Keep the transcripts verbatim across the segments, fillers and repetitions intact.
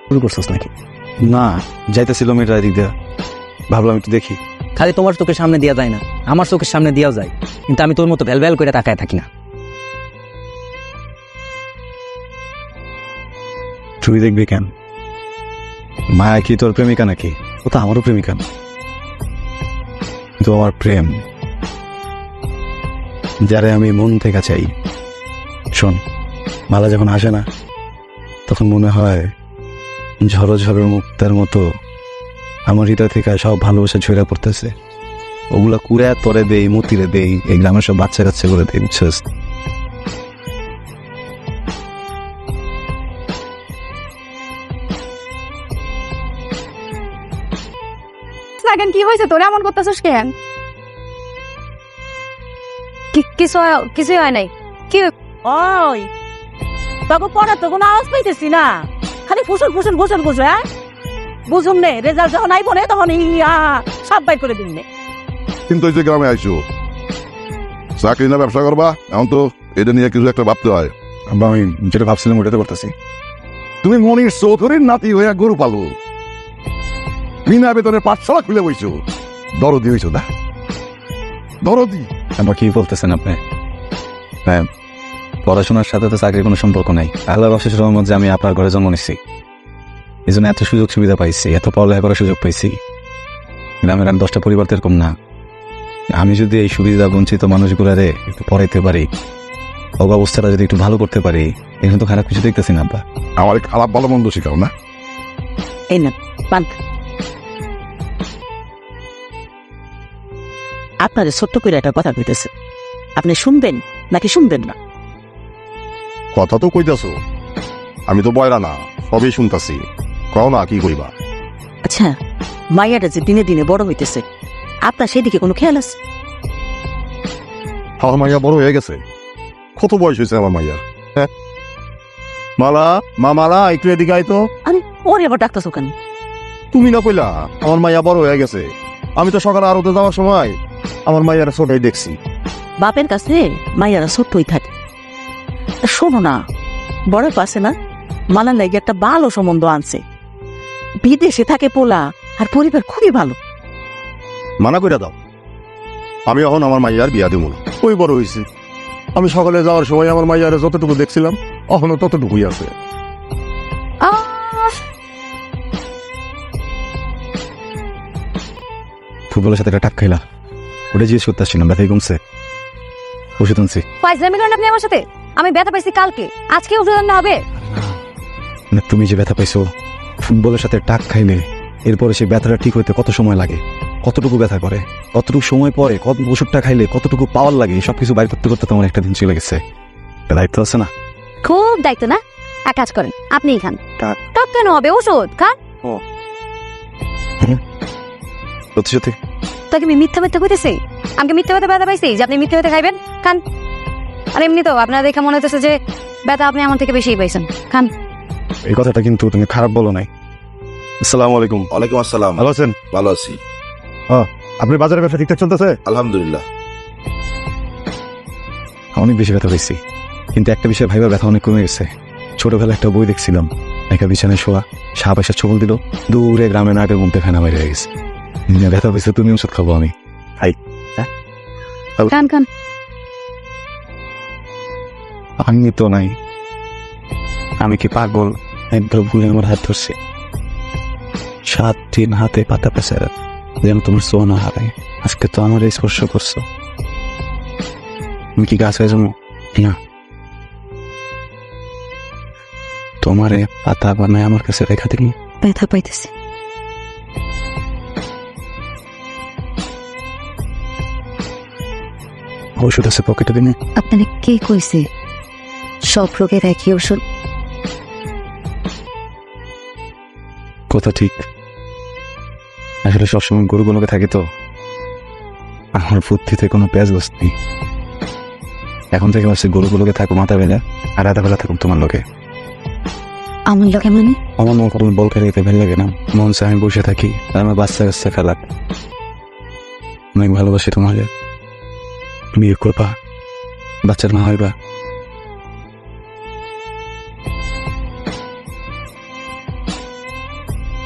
শুরু করছিস নাকি? না, যাইতেছিল মেয়েটা এদিক দিয়ে, ভাবলাম একটু দেখি। খালি তোমার চোখের সামনে দেওয়া যায় না, আমার চোখের সামনে দেওয়া যায়, কিন্তু আমি তোর মতো ভ্যাল ভ্যাল করে তাকায় থাকি না। তুই দেখবি কেন? মায়া কি তোর প্রেমিকা নাকি? ও তো আমারও প্রেমিকা না, কিন্তু আমার প্রেম, যারে আমি মন থেকে চাই। শোন, মালা যখন আসে না, তখন মনে হয় ঝড়ো ঝড়ো মুক্তার মতো আমার হৃদয় থেকে সব ভালোবাসা ঝরে পড়তেছে। ওগুলা কুড়ে তরে দেই, মতিরে দেই, এই গ্রামের সব বাচ্চা কাচ্চা করে দেই, বুঝছিস? কেন কি হয়েছে তোর এমন করতেছিস কেন? কিছু কিছুই হয় নাই। কি ওই তখন পড়া তো কোনো আওয়াজ পাইতেছি না, খালি ফুসুল ফুসুল ফুসুল ফুসুল। হ্যাঁ বুঝুন নে, রেজাল্ট যখন আইব নে তখন ইয়া সব বাইর করে দিন নে। কিন্তু ওই যে গ্রামে আইসো, চাকরি না ব্যবসা করবা, এখন তো এটা নিয়ে কিছু একটা ভাবতে হয়। আমি যেটা ভাবছিলাম ওটাতে করতেছি। তুমি মনির চৌধুরীর নাতি হইয়া গরু পালো, বিনা বেতনের পাঠশালা খুলে বইছো, দরদি হইছো না? দরদি আমরা কি বলতেছেন আপনি? হ্যাঁ, পড়াশোনার সাথে তো চাকরির কোনো সম্পর্ক নাই। আল্লাহর অশেষ রহমত যে আমি আপনার ঘরে জন্ম নিচ্ছি, এই জন্য এত সুযোগ সুবিধা পাইছি, এত পড়ালেখা করার সুযোগ পাইছি। গ্রামের আর দশটা পরিবার তো এরকম না। আমি যদি এই সুবিধা বঞ্চিত মানুষগুলারে একটু পড়াইতে পারি, অবস্থাটা যদি একটু ভালো করতে পারি, এখানে তো খারাপ কিছু দেখতেছি না। আব্বা, আমার খারাপ ভালো মন্দ শিখাও না। এই না পান, আপনাদের ছোট্ট করে একটা কথা কইতেছে, আপনি শুনবেন নাকি শুনবেন না? কথা তো কইতাছো, আমি তো বয়রা না, সবই শুনতাছি, কও না কি কইবা। আচ্ছা, মাইয়াটা যে দিনে দিনে বড় হইতেছে, আপনার সেদিকে কোনো খেয়াল আছে? আমার মাইয়া বড় হয়ে গেছে। কত বয়স হয়েছে আমার মাইয়া? হ্যাঁ মালা, মা মালা, একটু এদিকে আয় তো। আরে ওরে আবার ডাক্তার কেন? তুমি না কইলা আমার মাইয়া বড় হয়ে গেছে? আমি তো সকালে আরতে যাওয়ার সময় আমার মাইয়ারা ছোটাই দেখছি। বাপের কাছে মাইয়ারা ছোট্টই থাকে। শোনো না, বড় পাশে না মালার লাগে একটা ভালো সম্বন্ধ আনছে, বিদেশে থাকে পোলা, আর পরিবার খুবই ভালো। মানা কইরা দাও, আমি এখন আমার মাইয়ার বিয়া দেবো না। ওই বড় হয়েছে, আমি সকালে যাওয়ার সময় আমার মাইয়ারে যতটুকু দেখছিলাম এখনো ততটুকুই আছে। ফুটবলের সাথে একটা টাক খাইলা, ওটা জিজ্ঞেস করতে আসছিলাম, ব্যথাই কমছে? ওষুধ আনছি। ফাইজলামি করেন আপনি আমার সাথে? আমি ব্যথা পাইছি কালকে, আজকে ওষুধ আনতে হবে? মানে তুমি যে ব্যথা পাইছো, ফুটবলের সাথে টাক খাইলে এরপরে সেই ব্যথাটা ঠিক হইতে কত সময় লাগে, কতটুকু ব্যথা করে, কতটুকু সময় পরে, কত ওষুধটা খাইলে কতটুকু পাওয়ার লাগে, সবকিছু বাইর করতে করতে তোমার একটা দিন চলে গেছে। দায়িত্ব আছে না? খুব দায়িত্ব না? এক কাজ করেন, আপনিই খান। টাক? টাক কেন হবে? ওষুধ খান। সত্যি সত্যি? তাকে আমি মিথ্যা মিথ্যা কইতেছি? আমাকে মিথ্যা ব্যথা ব্যথা পাইছি যে আপনি মিথ্যা ব্যথা খাইবেন? খান। আর এমনি তো আপনার দেখে মনে হচ্ছে যে ব্যথা আপনি আমার থেকে বেশিই পাইছেন। খান। এই কথাটা কিন্তু তুমি খারাপ বলো নাই। আসসালামু আলাইকুম। ওয়ালাইকুম আসসালাম। ভালো আছেন? ভালো আছি আপনি বাজারের ব্যবসা ঠিকঠাক চলতেছে? আলহামদুলিল্লাহ। অনেক বেশি ব্যথা পেয়েছি, কিন্তু একটা বিষয় ভাইবার ব্যথা অনেক কমে গেছে। ছোটবেলা একটা বই দেখছিলাম, একটা বিছানায় শোয়া, সাপ এসে ছবল দিল, দূরে গ্রামে নাটের মধ্যে ফেনা মেরে গেছে। ব্যথা পেয়েছে, তুমি ওষুধ খাবো আমি খাই। খান খান। আমি তো নাই, আমি কি পাগল? একবার ভুলে আমার হাত ধরছে, সাত দিন হাতে পাতা পেঁচার যেন তোমার সোনা হারায়। আজকে তো আমার স্পর্শ করছো, তুমি কি গাছ হয়ে যাবো না? তোমারে পাতা বানায় আমার কাছে রেখা দিল। ব্যথা পাইতেছি। ওষুধ আছে পকেটে দিনে? আপনারে কে কইছে সব রোগের একই ওষুধ? কথা ঠিক, আসলে সবসময় গরুগুলোকে থাকে তো আমার বুদ্ধিতে কোনো পেঁয়াজ গোস নেই। এখন থেকে ভাবছি গরুগুলোকে থাকো মাথা বেলা, আর রাধা বেলা থাকুক তোমার লোকে। আমার লোকে মানে? আমার মন কোনো বল খেলে যেতে ভালো লাগে না, মন চায় আমি বসে থাকি, আর আমার বাচ্চা কাচ্চা খেলা। অনেক ভালোবাসি তোমাকে, বিয়ে করবা, বাচ্চার মা হইবা।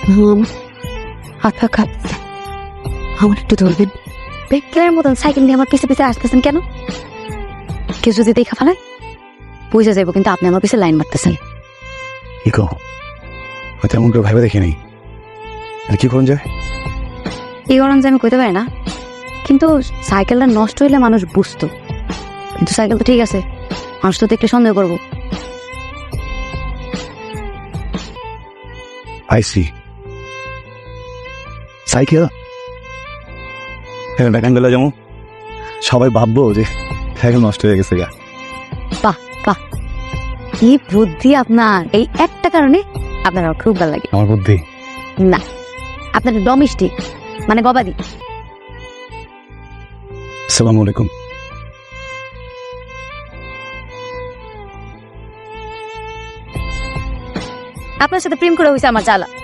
হাত পা কাঁপছে, আমার একটু ধরবেন। বেকের মতন সাইকেল নিয়ে আমার পিছে পিছে আসতেছেন কেন? কেউ যদি দেখা ফেলায় বুঝে যাবো, কিন্তু আপনি আমার পিছে লাইন মারতেছেন। কি কো হয়তো এমন করে ভাবে দেখিনি, আর কি করুন যায়? এই গরম যে আমি কইতে পারি না, কিন্তু সাইকেলটা নষ্ট হইলে মানুষ বুঝতো, কিন্তু সাইকেল তো ঠিক আছে, মানুষ তো দেখলে সন্দেহ করবো। আইসি সাইকেল হ্যাঁ গেলে যেমন সবাই ভাববো যে সাইকেল নষ্ট হয়ে গেছে গা। বাহ বাহ, কি বুদ্ধি আপনার! এই একটা কারণে আপনার আমার খুব ভালো লাগে। আমার বুদ্ধি না, আপনার ডমিস্টিক মানে গবাদি। আসসালামু আলাইকুম। আপনার সাথে প্রেম করে হয়েছে আমার জ্বালা।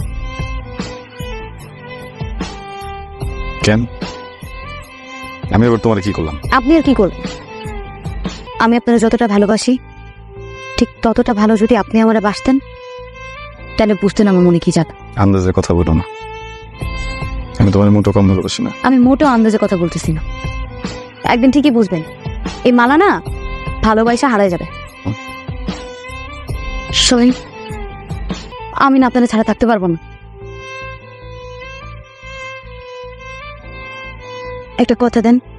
কেন? আমি এবার তোমার কি করলাম? আপনি আর কি করবেন? আমি আপনার যতটা ভালোবাসি ঠিক ততটা ভালো যদি আপনি আমার বাসতেন, তাহলে বুঝতেন আমার মনে কি যাত। আন্দাজে কথা বলো না, আমি তোমার মোটো কম ভালোবাসি না। আমি মোটেও আন্দাজে কথা বলতেছি না, একদিন ঠিকই বুঝবেন। এই মালা না ভালোবাসা হারাই যাবে। সরি, আমি না আপনারা ছাড়া থাকতে পারবো না। একটা কথা দেন,